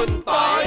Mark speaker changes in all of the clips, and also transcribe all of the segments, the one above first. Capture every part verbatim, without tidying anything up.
Speaker 1: คุณปอย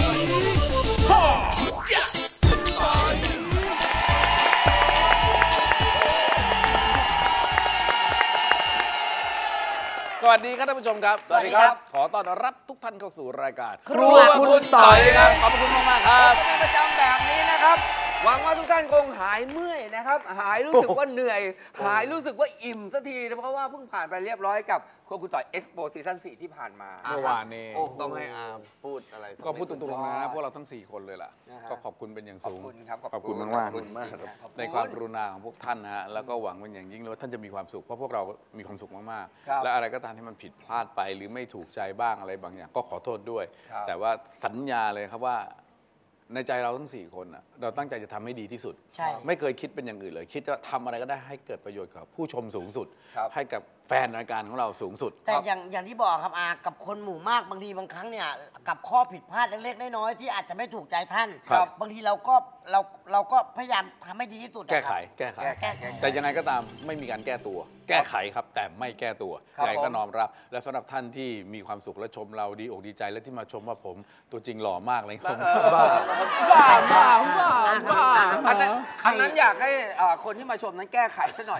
Speaker 1: สวัสดีครับท่านผู้ชมครับ
Speaker 2: สวัสดีครับ
Speaker 1: ขอต้อนรับทุกท่านเข้าสู่รายการ
Speaker 2: ครัวคุณต่อย
Speaker 1: ครับขอบคุณมากๆครับ
Speaker 2: เป็นประจำแบบนี้นะครับหวังว่าทุกท่านคงหายเมื่อยนะครับหายรู้สึกว่าเหนื่อยหายรู้สึกว่าอิ่มสักทีนะเพราะว่าเพิ่งผ่านไปเรียบร้อยกับครัวคุณต่อยเอ็กซ์โปซีซั่นสี่ที่ผ่านมา
Speaker 1: เมื่อวานนี้
Speaker 3: ต้องให้อาร์มพูดอะไร
Speaker 1: ก็พูดตรงๆนะพวกเราทั้งสี่คนเลยล่ะก็ขอบคุณเป็นอย่างสูง
Speaker 2: ขอบคุณครับ
Speaker 1: ขอบคุณมากๆในความกรุณาของพวกท่านนะฮะแล้วก็หวังเป็นอย่างยิ่งเลยว่าท่านจะมีความสุขเพราะพวกเรามีความสุขมากๆและอะไรก็ตามที่มันผิดพลาดไปหรือไม่ถูกใจบ้างอะไรบางอย่างก็ขอโทษด้วยแต่ว่าสัญญาเลยครับว่าในใจเราทั้งสี่คนเราตั้งใจจะทำให้ดีที่สุดไม่เคยคิดเป็นอย่างอื่นเลยคิดว่าทำอะไรก็ได้ให้เกิดประโยชน์กับผู้ชมสูงสุดให้กับแฟนรายการของเราสูงสุด
Speaker 4: แต่อย่างอย่างที่บอกครับอากับคนหมู่มากบางทีบางครั้งเนี่ยกับข้อผิดพลาดเล็กๆน้อยๆที่อาจจะไม่ถูกใจท่านบางทีเราก็เราเราก็พยายามทำให้ดีที่สุด
Speaker 1: แก้ไขแก้ไขแต่ยังไงก็ตามไม่มีการแก้ตัวแก้ไขครับแต่ไม่แก้ตัวยังไงก็น้อมรับและสำหรับท่านที่มีความสุขและชมเราดีอกดีใจและที่มาชมว่าผมตัวจริงหล่อมากเลยผมบ้า
Speaker 2: บ้าบ้าบ้าบ้าอันนั้นอันนั้นอยากให้คนที่มาชมนั้นแก้ไขซะหน่อย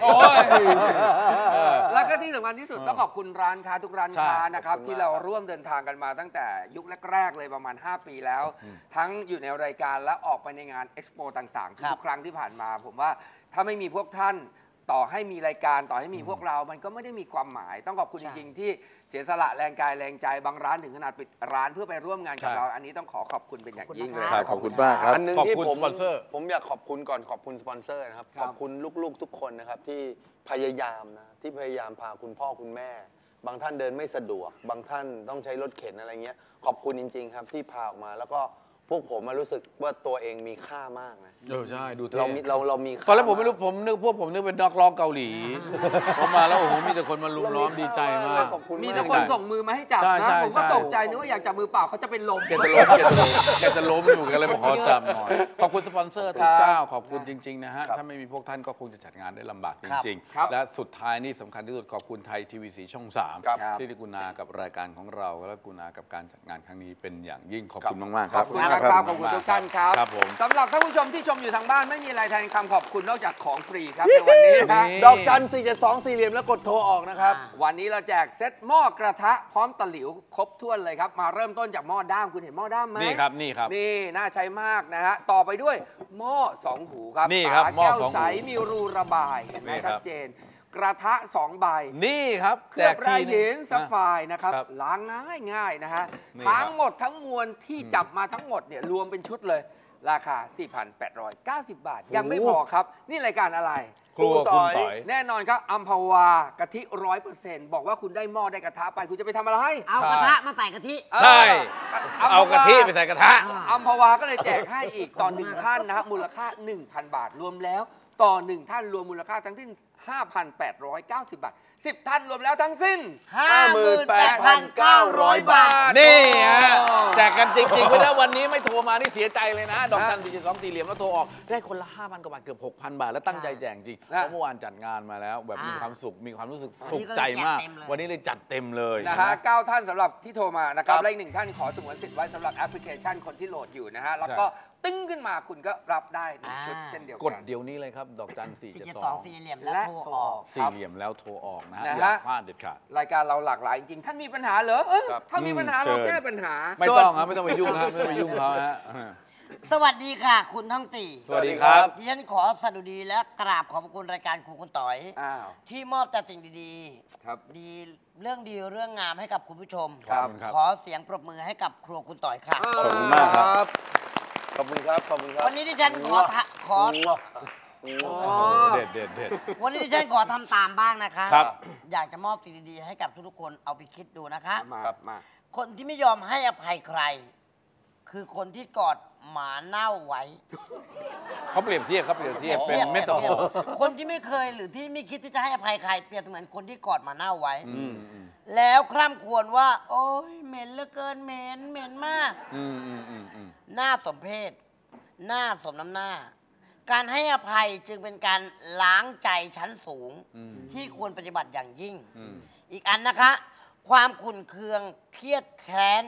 Speaker 2: แล้วก็ที่สำคัญที่สุดต้องขอบคุณร้านค้าทุกร้านค้านะครับที่เราร่วมเดินทางกันมาตั้งแต่ยุคแรกๆเลยประมาณห้าปีแล้วทั้งอยู่ในรายการและออกไปในงานเอ็กซ์โปต่างๆทุกครั้งที่ผ่านมาผมว่าถ้าไม่มีพวกท่านต่อให้มีรายการต่อให้มีพวกเรามันก็ไม่ได้มีความหมายต้องขอบคุณจริงๆที่เสียสละแรงกายแรงใจบางร้านถึงขนาดปิดร้านเพื่อไปร่วมงานกับเราอันนี้ต้องขอขอบคุณเป็นอย่างยิ่งเลย
Speaker 1: ขอบคุณมากครับ
Speaker 3: อันนึงที่ผมผมอยากขอบคุณก่อนขอบคุณสปอนเซอร์นะครับขอบคุณลูกๆทุกคนนะครับที่พยายามนะที่พยายามพาคุณพ่อคุณแม่บางท่านเดินไม่สะดวกบางท่านต้องใช้รถเข็นอะไรเงี้ยขอบคุณจริงๆครับที่พาออกมาแล้วก็พวกผมมารู้สึกว่าตัวเองมีค่ามากนะ
Speaker 1: เออใช่ดูเท่
Speaker 3: เราเราเรามี
Speaker 1: ตอนแรกผมไม่รู้ผมนึกพวกผมนึกเป็นนักร้องเกาหลีผมมาแล้วโอ้โหมีแต่คนมาลุมล้อมดีใจมาก
Speaker 2: มีแต่คนส่งมือมาให้จับนะผมก็ตกใจนึกว่าอยากจับมือเปล่าเขาจะเป็นลม
Speaker 1: แกจะล้มแกจะล้มแกจะล้มอยู่กันเลยบอกขอจับหน่อยขอบคุณสปอนเซอร์ทุกเจ้าขอบคุณจริงๆนะฮะถ้าไม่มีพวกท่านก็คงจะจัดงานได้ลำบากจริงๆและสุดท้ายนี่สำคัญที่สุดขอบคุณไทยทีวีสีช่องสามที่ได้กุณากับรายการของเราและกุณากับการจัดงานครั้งนี้เป็นอย่างยิ่งขอบคุณมากๆครับ
Speaker 2: ขอบคุณครับขอบคุณทุกท่านครับสำหรับท่านผู้ชมที่ชมอยู่ทางบ้านไม่มีอะไรแทนคำขอบคุณนอกจากของฟรีครับในวันนี้นะ
Speaker 3: ดอกจันสี่เจ็ดสองสี่เหลี่ยมแล้วกดโทรออกนะครับ
Speaker 2: วันนี้เราแจกเซ็ตหม้อกระทะพร้อมตะหลิวครบถ้วนเลยครับมาเริ่มต้นจากหม้อด้ามคุณเห็นหม้อด้ามไหม
Speaker 1: นี่ครับนี่ครับ
Speaker 2: นี่น่าใช้มากนะฮะต่อไปด้วยหม้อสองหูครับ
Speaker 1: นี่ครับหม้อสองหู
Speaker 2: ใสมีรูระบายเห็นไหมชัดเจนกระทะสองใบ
Speaker 1: นี่ครับ
Speaker 2: เคลือบลายหินซัฟไฟร์นะครับล้างง่ายง่ายนะฮะทั้งหมดทั้งมวลที่จับมาทั้งหมดเนี่ยรวมเป็นชุดเลยราคา สี่พันแปดร้อยเก้าสิบ บาทยังไม่พอครับนี่รายการอะไร
Speaker 1: ครัวคุณต่อย
Speaker 2: แน่นอนครับอัมพวากะทิร้อยเปอร์เซ็นต์บอกว่าคุณได้หม้อได้กระทะไปคุณจะไปทำอะไร
Speaker 4: เอากระทะมาใส่กะทิ
Speaker 1: ใช่เอากะทิไปใส่กระทะ
Speaker 2: อัมพวาก็เลยแจกให้อีกต่อหนึ่งท่านนะครับมูลค่า หนึ่งพัน บาทรวมแล้วต่อหนึ่งท่านรวมมูลค่าทั้งสิ้น ห้าพันแปดร้อยเก้าสิบ บาทสิบท่านรวมแล้วทั้งสิ้น
Speaker 4: ห้าหมื่นแปดพันเก้าร้อย บาท
Speaker 1: นี่ฮะแจกกันจริงๆเพราะว่าวันนี้ไม่โทรมานี่เสียใจเลยนะดอกจันสี่เจ็ดสองสี่เหลี่ยมแล้วโทรออกได้คนละ ห้าพัน กว่าบาทเกือบ หกพัน บาทแล้วตั้งใจแจกจริงเพราะเมื่อวานจัดงานมาแล้วแบบมีความสุขมีความรู้สึกสุขใจมากวันนี้เลยจัดเต็มเลย
Speaker 2: นะฮะเก้าท่านสำหรับที่โทรมานะครับและอีกหนึ่งท่านขอสงวนสิทธิ์ไว้สำหรับแอปพลิเคชันคนที่โหลดอยู่นะฮะแล้วก็ตึ้งขึ้นมาคุณก็รับได้ในชุดเช่นเดียวกัน
Speaker 1: กดเดี๋ยวนี้เลยครับดอกจันสี่เจ็ดสอง
Speaker 4: สี่เหลี่ยมแล้วโทรออก
Speaker 1: สี่เหลี่ยมแล้วโทรออกนะฮะอย่าพลาดเด็ดขาด
Speaker 2: รายการเราหลากหลายจริงท่านมีปัญหาเหรอถ้ามีปัญหาเราแก้ปัญหา
Speaker 1: ไม่ต้องครับไม่ต้องไปยุ่งครับไม่ต้องไปยุ่งเขาฮะ
Speaker 4: สวัสดีค่ะคุณท่องตี
Speaker 1: สวัสดีครับ
Speaker 4: ดิฉันขอสดุดีและกราบขอบคุณรายการครูคุณต่อยที่มอบแต่สิ่งดีๆดีเรื่องดีเรื่องงามให้กับคุณผู้ชมขอเสียงปรบมือให้กับครัวคุณต่อยค่ะ
Speaker 1: ขอบคุณมากครับ
Speaker 3: ขอบคุณครับขอบคุณครับ
Speaker 4: วันนี้ดิฉันขอขอ
Speaker 1: เด็ดเด็ดเด็ด
Speaker 4: วันนี้ดิฉันขอทำตามบ้างนะคะ
Speaker 1: ครับ
Speaker 4: อยากจะมอบสิ่งดีๆให้กับทุกๆคนเอาไปคิดดูนะคะ
Speaker 2: มา
Speaker 4: คนที่ไม่ยอมให้อภัยใครคือคนที่กอดหมาเน่าไว้
Speaker 1: เขาเปรียบเทียบเขาเปรียบเทียบเป็นเมตาโฟร์
Speaker 4: คนที่ไม่เคยหรือที่ไม่คิดที่จะให้อภัยใครเปรียบเหมือนคนที่กอดหมาเน่าไว้แล้วคร่ำครวญว่าโอ๊ยเหม็นเหลือเกินเหม็นเหม็นมากหน้าสมเพชหน้าสมน้ำหน้าการให้อภัยจึงเป็นการล้างใจชั้นสูงที่ควรปฏิบัติอย่างยิ่งอีกอันนะคะความขุ่นเคืองเครียดแค้น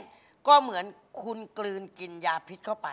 Speaker 4: ก็เหมือนคุณกลืนกินยาพิษเข้าไป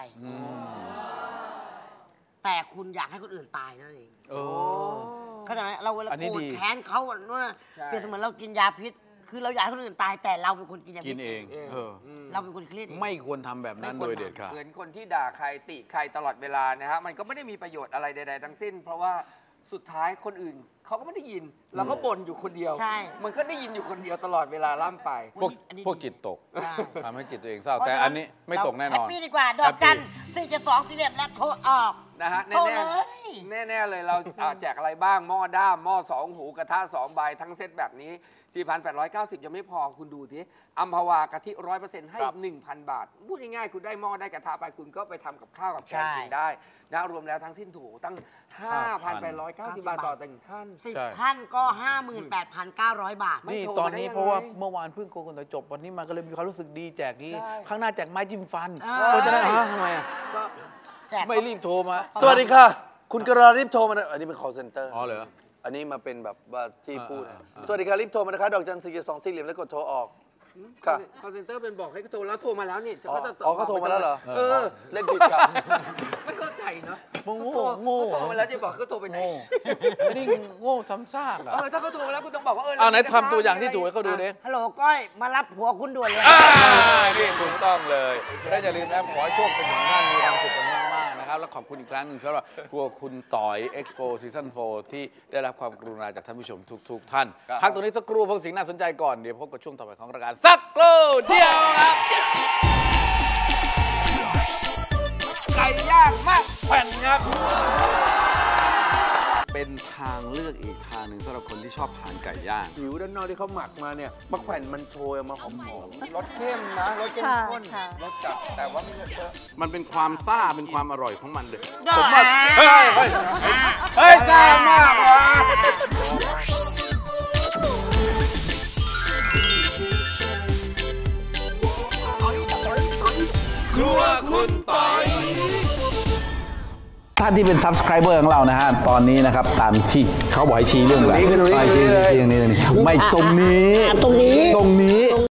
Speaker 4: แต่คุณอยากให้คนอื่นตายนั่นเอง
Speaker 1: โอ้
Speaker 4: เข้าใจไหมเราเวลา
Speaker 1: อันนี้
Speaker 4: โกรธ
Speaker 1: ดี
Speaker 4: แค้นเขาอะนู่นน่ะ
Speaker 2: ใช่
Speaker 4: เปรียบเสมือนเรากินยาพิษ คือเราอยากให้คนอื่นตายแต่เราเป็นคนกินยา
Speaker 1: กิ
Speaker 4: พิ
Speaker 1: น
Speaker 4: ษ
Speaker 1: เองเออ
Speaker 4: เราเป็นคนเครียดเอง
Speaker 1: ไม่ควรทำแบบนั้น
Speaker 4: ไม่
Speaker 1: โด
Speaker 4: ควร
Speaker 1: ยเด็ดขาด
Speaker 2: เหมือนคนที่ด่าใครติใครตลอดเวลานะฮะมันก็ไม่ได้มีประโยชน์อะไรใดๆทั้งสิ้น เพราะว่าสุดท้ายคนอื่นเขาก็ไม่ได้ยินเราก็บ่นอยู่คนเดียว
Speaker 4: ใช่
Speaker 2: มันก็ได้ยินอยู่คนเดียวตลอดเวลาล่ำไป
Speaker 1: พวก
Speaker 4: อันนี้
Speaker 1: พวกจิตตก
Speaker 4: ใช่
Speaker 1: ทำให้จิตตัวเองเศร้า
Speaker 4: เพราะ
Speaker 1: แต่
Speaker 4: ฉะ
Speaker 1: อันนี้ไม่ตกแน่นอน
Speaker 4: แฮปปี้ดีกว่า ดอกจันสี่เจ็ดสองสี่เหลี่ยมและโทรออก
Speaker 2: นะฮะ
Speaker 4: โทร
Speaker 2: แน่
Speaker 4: เลย
Speaker 2: ๆแน่ๆเลยเราอ่าแจกอะไรบ้างหม้อด้ามหม้อสองหูกระทะสองใบทั้งเซตแบบนี้ สี่พันแปดร้อยเก้าสิบ ยังไม่พอคุณดูทีอัมพวากะทิร้อยเปอร์เซ็นต์ให้อีกหนึ่งพันบาท พูดง่ายๆคุณได้หม้อได้กระทะไปคุณก็ไปทำกับข้าวกับแกงกินได้นะรวมแล้วทั้งสิ้นถูกตั้ง ห้าพันแปดร้อยเก้าสิบ บาทต่อหนึ่งท่าน
Speaker 4: สิบ
Speaker 1: ใช่
Speaker 4: ท่านก็ ห้าหมื่นแปดพันเก้าร้อย บาท
Speaker 2: ไม่
Speaker 1: นี่
Speaker 2: โทร
Speaker 1: ตอน
Speaker 2: มาได้
Speaker 1: นี้
Speaker 2: ยังไง
Speaker 1: เพราะว่าเมื่อวานเพิ่งโกนแต่จบวันนี้มาก็เลยมีความรู้สึกดีแจกนี้
Speaker 2: ใช่
Speaker 1: ข้างหน้าแจกไม้จิ้มฟัน
Speaker 4: อ่า
Speaker 1: เพราะฉะนั้นฮะทำไมอะ
Speaker 2: ก็
Speaker 4: แจก
Speaker 1: ไม่รีบโทรมา
Speaker 3: สวัสดีค่ะ คุณกระรีบโทรมานะอันนี้เป็น call center
Speaker 1: อ๋อเหรอ
Speaker 3: อันนี้มาเป็นแบบว่าที่พูด
Speaker 1: อ่าอ่าอ่า
Speaker 3: สวัสดีค่ะรีบโทรมานะคะดอกจันสี่สองสี่เหลี่ยมแล้วกดโทรออกค่ะ
Speaker 2: คอลเซ็นเตอร์เป็นบอกให้โทรแล้วโทรมาแล้วนี่
Speaker 3: อ๋อ
Speaker 2: จะ
Speaker 3: อ๋อเขาโทรมาแล้วเหรอ
Speaker 2: เออ
Speaker 3: เล่นผิดค่ะ
Speaker 2: ไม่เข้าใจเนาะ
Speaker 1: โง่
Speaker 2: เขาโทร
Speaker 1: โง่
Speaker 2: เขาโทรมาแล้วจะบอกเขาโทรไปไหน
Speaker 1: โง่ไม่ได้โง่ซ้ำซากอ่ะ
Speaker 2: เออถ้าเขาโทรมาแล้วคุณต้องบอกว่าเออ
Speaker 1: เอาไหน
Speaker 2: ร
Speaker 1: ทำตัวอย่างที่ถูกให้เขาดูดิ
Speaker 4: ฮัลโหลก้อยมารับผัวคุณด่วนเลย
Speaker 1: อ่านี่ถูกต้องเลยและอย่าลืมนะขอให้โชคเป็นของท่านมีความสุขกันมากๆนะครับและขอบคุณอีกครั้งหนึ่งสำหรับพวกคุณต่อย Expo Season โฟร์ ที่ได้รับความกรุณาจากท่านผู้ชมทุกๆท่าน
Speaker 3: ครับ
Speaker 1: พักตรงนี้สักครู่พวกสิ่งน่าสนใจก่อนเดี๋ยวพบกับช่วงต่อไปของรายการสักครู่เดียวครับ
Speaker 2: ไก่ย่างมากแผ่นครับ
Speaker 1: เป็นทางเลือกอีกทางหนึ่งสำหรับคนที่ชอบทานไก่ย่าง
Speaker 3: ผิวด้านนอกที่เขาหมักมาเนี่ยมะแขวนมันโชยออกมาหอม
Speaker 2: รสเข้มนะรสเข้ม
Speaker 5: ค่ะ
Speaker 2: ข้น
Speaker 5: ค่ะ
Speaker 2: รสจัดแต่ว่าไม่เยอะ
Speaker 1: มันเป็นความซ่าเป็นความอร่อยของมันเลย
Speaker 4: ได้
Speaker 1: ผมว่าเฮ้ยเฮ้ยเฮ้ยซ่ามากว่ะ ครัวคุณปอยท่านที่เป็น subscriber ของเรานะฮะ ตอนนี้นะครับตามที่เขาบอกให้ชี้เรื่องอะไรชี้ชี้ชี้ตรงนี้ตรงนี้ไม่ตรงนี้
Speaker 4: ตรงนี้
Speaker 1: ตรงนี้